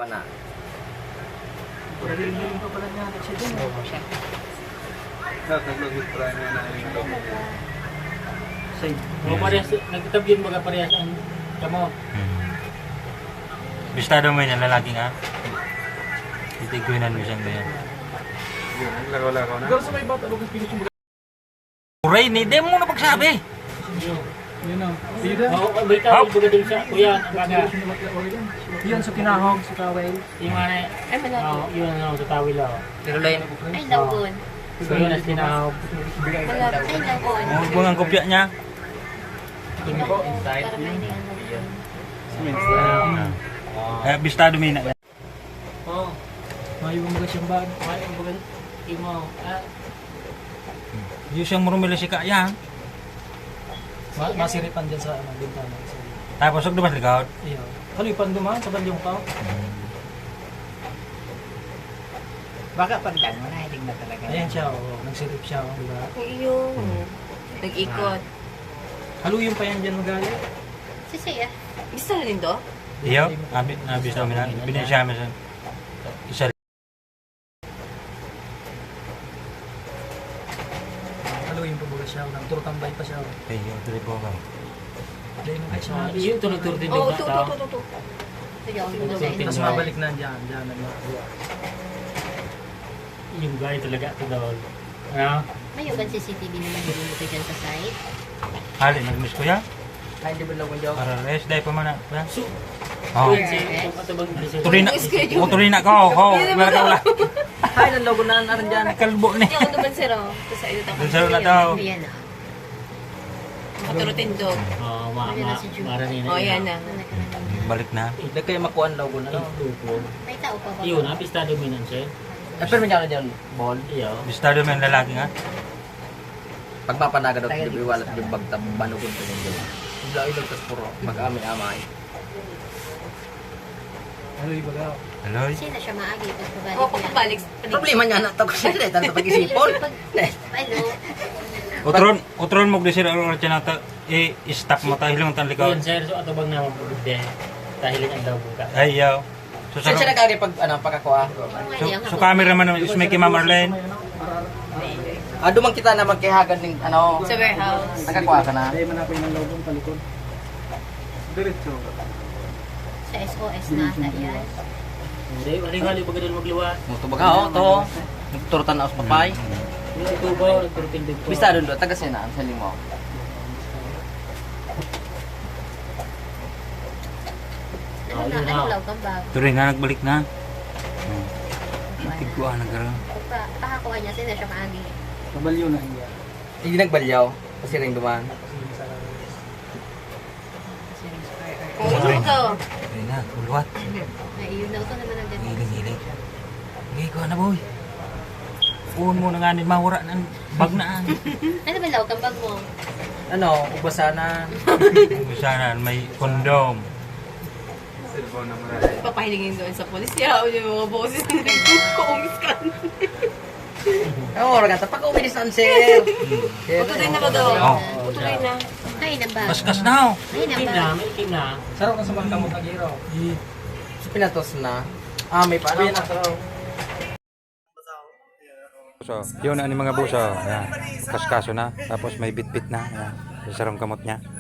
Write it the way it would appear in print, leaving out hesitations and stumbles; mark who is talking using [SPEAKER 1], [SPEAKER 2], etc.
[SPEAKER 1] pa na.
[SPEAKER 2] Galing pa pala niya. Kasi din.
[SPEAKER 3] Taglogit pa niya na yung logo.
[SPEAKER 2] Side. Mga parehas, nagtatabyin mga parehas ang kamo.
[SPEAKER 4] Bistado mo yun, lalaki nga. Titiguinan mo siyang ganyan.
[SPEAKER 3] Yun, lagaw-lagaw na.
[SPEAKER 2] Pero sa may bata, lugas pinis yung
[SPEAKER 4] Uray, hindi mo na pagsabi.
[SPEAKER 2] yun ang. Oo, may tawag baga din sa kuya. Yun sa kinahog, sa tawel. Yung ano,
[SPEAKER 5] Ay, malaki.
[SPEAKER 2] yun ang sa tawil ako.
[SPEAKER 1] Tirulay na.
[SPEAKER 5] Ay, lagon.
[SPEAKER 2] So yun ang kinahog.
[SPEAKER 5] Malaki. Ay, lagon.
[SPEAKER 4] Huwag ang kopya niya.
[SPEAKER 1] Inside.
[SPEAKER 5] Para may lagon.
[SPEAKER 4] Bistado mo yun.
[SPEAKER 2] Oo. Mayroong mga siyang bag. Mayroong mga imo.
[SPEAKER 4] Yung siyang murumila si Kaya.
[SPEAKER 2] Masiripan dyan sa bintana.
[SPEAKER 4] Tapos huwag dumas likod.
[SPEAKER 2] Iyo. Kalipan duman sa balyong pa.
[SPEAKER 1] Baka pagdang mo na, hindi na talaga.
[SPEAKER 2] Ayan siya, oh. Nagsirip siya, oh, di ba?
[SPEAKER 5] Iyo. Nag-ikot.
[SPEAKER 2] Haluyin pa yan dyan magalit.
[SPEAKER 5] Sisiya. Gusto na din to?
[SPEAKER 4] Iyo, abis namin na. Binisya mo sa isa.
[SPEAKER 2] Haluyin pa buga siya. Nagturtambay pa siya.
[SPEAKER 4] Iyo, tuloy po ka.
[SPEAKER 2] Dahil mo siya.
[SPEAKER 6] Yun, tunag-tur din
[SPEAKER 5] Oo,
[SPEAKER 6] ba
[SPEAKER 5] to.
[SPEAKER 6] tao?
[SPEAKER 5] Sige, ako tuloy.
[SPEAKER 2] Tapos mabalik na dyan. Dyan.
[SPEAKER 6] Yung guy talaga ito daw. Ano?
[SPEAKER 5] May yung CCTV naman niluluto dyan sa site.
[SPEAKER 4] Hali, nag-miss ko yan.
[SPEAKER 1] Ay, di ba lang ko joke?
[SPEAKER 4] Para rest, dahil pa man na.
[SPEAKER 6] So,
[SPEAKER 4] Oh.
[SPEAKER 6] yun si Matabang President.
[SPEAKER 4] Turina. O, turina ko. Wala ka wala.
[SPEAKER 1] Ay, ng logo na narin dyan.
[SPEAKER 4] Kalbo ni.
[SPEAKER 5] Yung naman sir, oh. Tapos ayun ako.
[SPEAKER 4] Sir na daw.
[SPEAKER 5] Ayan na. Maturutin do.
[SPEAKER 6] Oh, mara nila.
[SPEAKER 5] Oh, ayan na.
[SPEAKER 4] Balik na.
[SPEAKER 1] Hindi kayo makuha ang logo na.
[SPEAKER 5] May tao pa ba?
[SPEAKER 6] Yun, apistado mo nun siya.
[SPEAKER 1] Eh, pero may dyan dyan, ball.
[SPEAKER 6] Iyo.
[SPEAKER 4] Bistado mo yung lalaki nga.
[SPEAKER 1] Pagpapanaga daw, hindi iwalat yung bagtab, banukod ko nyo. Ibla ilog, tas puro, mag-amay-amay.
[SPEAKER 2] Haluyin baga.
[SPEAKER 4] Hello?
[SPEAKER 5] Sino siya maagi? Tapos babalik Oo, pagpabalik.
[SPEAKER 1] Problema niya na ito ko siya, dahil sa pag-isipon.
[SPEAKER 5] Hello.
[SPEAKER 4] Utron mo glisir ang oras na i-stop mo tayo hilong tan likaw.
[SPEAKER 6] Yun, sir. So, atubang naman po de. Dahil ang daw buka.
[SPEAKER 4] Ay, yaw. So,
[SPEAKER 1] Saan siya nagkagay pag, pagkakuha?
[SPEAKER 4] so cameraman naman is may kay Ma'am Arlene.
[SPEAKER 1] Dumang kita na magkihagan ng,
[SPEAKER 5] Sa warehouse.
[SPEAKER 1] nagkakuha ka na.
[SPEAKER 2] Dahil manapay ng logo ng palikod.
[SPEAKER 3] Diretso.
[SPEAKER 5] Sa SOS na ata yan.
[SPEAKER 6] Hindi, waling-hali pag ganun magluwa.
[SPEAKER 1] Muto baga, to. Nagturutan na ako sa papay.
[SPEAKER 6] Yung nagtubaw, nagturupindig po.
[SPEAKER 1] Bista doon doon, taga Sena, ang saling mo.
[SPEAKER 5] Ano law kang bag?
[SPEAKER 4] Tuloy na, nagbalik na. Tigwa na gano'n.
[SPEAKER 5] Pakakuha niya, sino siya maagi?
[SPEAKER 2] Kabalyo na niya.
[SPEAKER 1] Hindi nagbalyaw, kasi rin duman.
[SPEAKER 5] Oo, ito.
[SPEAKER 4] Tuloy na, ulwat.
[SPEAKER 5] Ayun na ito naman ang ganito.
[SPEAKER 4] Hiling-hiling. Hindi ko na boy. Uun mo na nga ni mawara ng bag na.
[SPEAKER 5] Ano ba law kang bag mo?
[SPEAKER 1] Ubasanan.
[SPEAKER 4] Sana may kondom.
[SPEAKER 3] Cellphone na marami.
[SPEAKER 5] Papahilingin doon sa polis. Kaya yung mga boses na nag-kuumis ka.
[SPEAKER 1] Oo, ragata, pag-uwi ni Sansel.
[SPEAKER 5] Tuloy na ba daw?
[SPEAKER 4] Oo.
[SPEAKER 5] Tuloy na. Ay, na ba?
[SPEAKER 4] Kaskas na oh.
[SPEAKER 5] Ay, na
[SPEAKER 6] Ikim
[SPEAKER 5] ba?
[SPEAKER 6] na, may ikim na.
[SPEAKER 2] Sarap ka sa mga kamot ng hero.
[SPEAKER 1] Pinatos na. May paano?
[SPEAKER 4] So, yun ang mga buso. Ayan. Kaskaso na. Tapos may bit-bit na. Ayan. Sa sarong kamot niya.